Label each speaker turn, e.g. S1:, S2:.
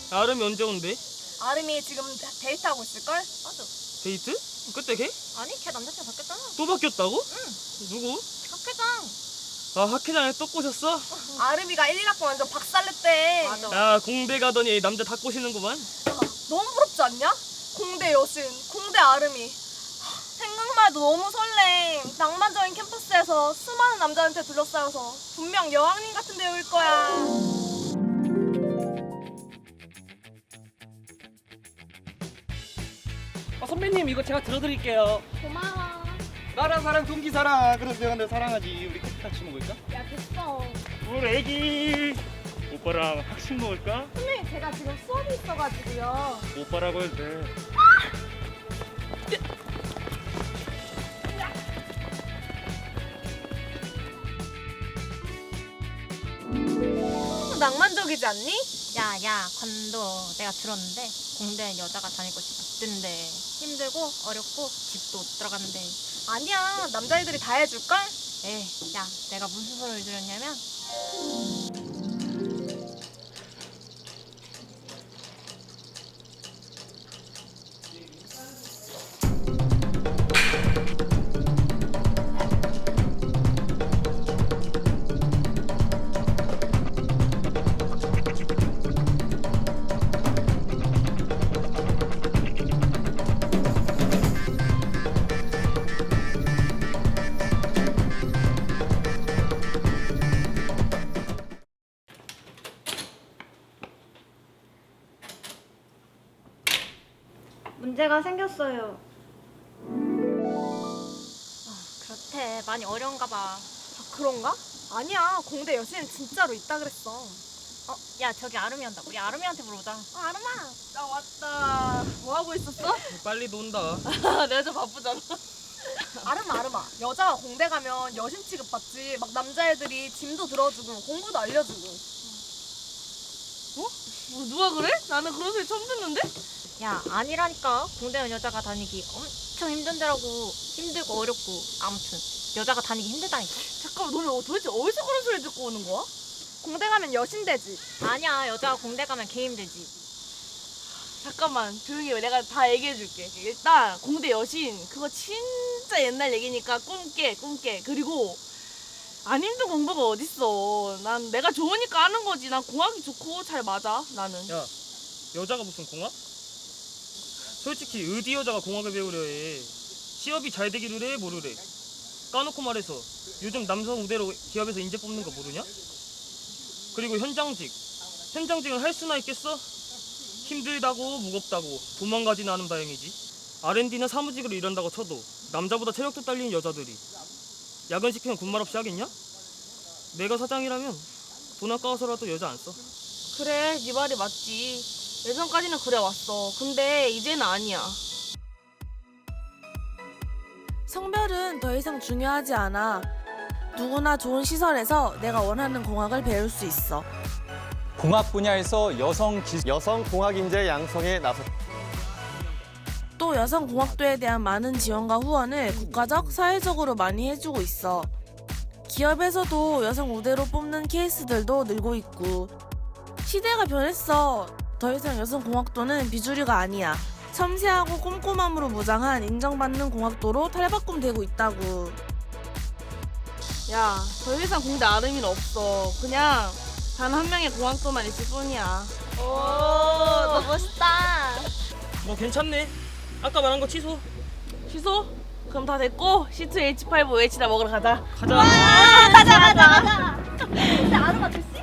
S1: 아름이 언제 온대?
S2: 아름이 지금 데이트하고 있을걸?
S3: 맞아.
S1: 데이트? 그때 걔?
S3: 아니 걔 남자친구 바뀌었잖아.
S1: 또 바뀌었다고?
S3: 응.
S1: 누구?
S3: 학회장.
S1: 아 학회장에 또 꼬셨어?
S2: 아름이가 1, 2학번 완전 박살냈대.
S3: 맞아.
S1: 야 공대 가더니 남자 다 꼬시는구만.
S2: 너무 부럽지 않냐? 공대 여신, 공대 아름이. 생각만 해도 너무 설레. 낭만적인 캠퍼스에서 수많은 남자한테 둘러싸여서 분명 여왕님 같은 배우일 거야.
S4: 선배님 이거 제가 들어드릴게요.
S2: 고마워.
S4: 나랑 사랑 동기 사랑. 그래서 내가 내 사랑하지. 우리 커피 같이 먹을까?
S2: 야 됐어.
S1: 우리 애기 오빠랑 학식 먹을까?
S2: 선생님 제가 지금 수업이 있어가지고요.
S1: 오빠라고 해도 돼.
S2: 낭만적이지 않니?
S3: 야야 관도 내가 들었는데 공대엔 여자가 다니고 싶던데 힘들고 어렵고 집도 못 들어간대.
S2: 아니야 남자애들이 다 해줄걸?
S3: 에이 야 내가 무슨 소리를 들었냐면
S5: 문제가 생겼어요.
S3: 그렇대. 많이 어려운가 봐.
S2: 아 그런가? 아니야 공대 여신은 진짜로 있다 그랬어.
S3: 야 저기 아름이 한다. 우리 아름이한테 물어보자.
S2: 아름아 나 왔다. 뭐 하고 있었어?
S1: 빨리 논다.
S2: 내가 좀 바쁘잖아. 아름아 여자가 공대 가면 여신 취급받지. 막 남자애들이 짐도 들어주고 공부도 알려주고.
S6: 뭐 누가 그래? 나는 그런 소리 처음 듣는데?
S3: 야 아니라니까. 공대는 여자가 다니기 엄청 힘든 데라고. 힘들고 어렵고 아무튼 여자가 다니기 힘들다니까.
S6: 잠깐만 너네 도대체 어디서 그런 소리 듣고 오는 거야?
S2: 공대 가면 여신 되지.
S3: 아니야 여자가 공대 가면 개 힘들지.
S6: 잠깐만 조용히 해. 내가 다 얘기해 줄게. 일단 공대 여신 그거 진짜 옛날 얘기니까 꿈깨. 그리고 안 힘든 공부가 어딨어. 난 내가 좋으니까 하는 거지. 난 공학이 좋고 잘 맞아 나는.
S1: 야 여자가 무슨 공학? 솔직히 어디 여자가 공학을 배우려 해. 취업이 잘 되기를 해 모르래. 까놓고 말해서 요즘 남성 우대로 기업에서 인재 뽑는 거 모르냐? 그리고 현장직을 할 수나 있겠어? 힘들다고 무겁다고 도망가지는 않으면 다행이지. R&D나 사무직으로 일한다고 쳐도 남자보다 체력도 딸리는 여자들이 야근 시키면 군말 없이 하겠냐? 내가 사장이라면 돈 아까워서라도 여자 안 써.
S6: 그래 네 말이 맞지. 예전까지는 그래 왔어. 근데 이제는 아니야.
S7: 성별은 더 이상 중요하지 않아. 누구나 좋은 시설에서 내가 원하는 공학을 배울 수 있어.
S8: 공학 분야에서 여성
S9: 공학 인재 양성에 나섰.
S7: 또 여성공학도에 대한 많은 지원과 후원을 국가적, 사회적으로 많이 해주고 있어. 기업에서도 여성 우대로 뽑는 케이스들도 늘고 있고. 시대가 변했어. 더 이상 여성공학도는 비주류가 아니야. 섬세하고 꼼꼼함으로 무장한 인정받는 공학도로 탈바꿈되고 있다고.
S6: 야, 더 이상 공대 아름이는 없어. 그냥 단 한 명의 공학도만 있을 뿐이야.
S2: 오, 너 멋있다.
S1: 뭐 괜찮네. 아까 말한 거 취소.
S6: 취소? 그럼 다 됐고 C2H5 H나 먹으러 가자.
S1: 가자.
S2: 가자. 근데 아름아 그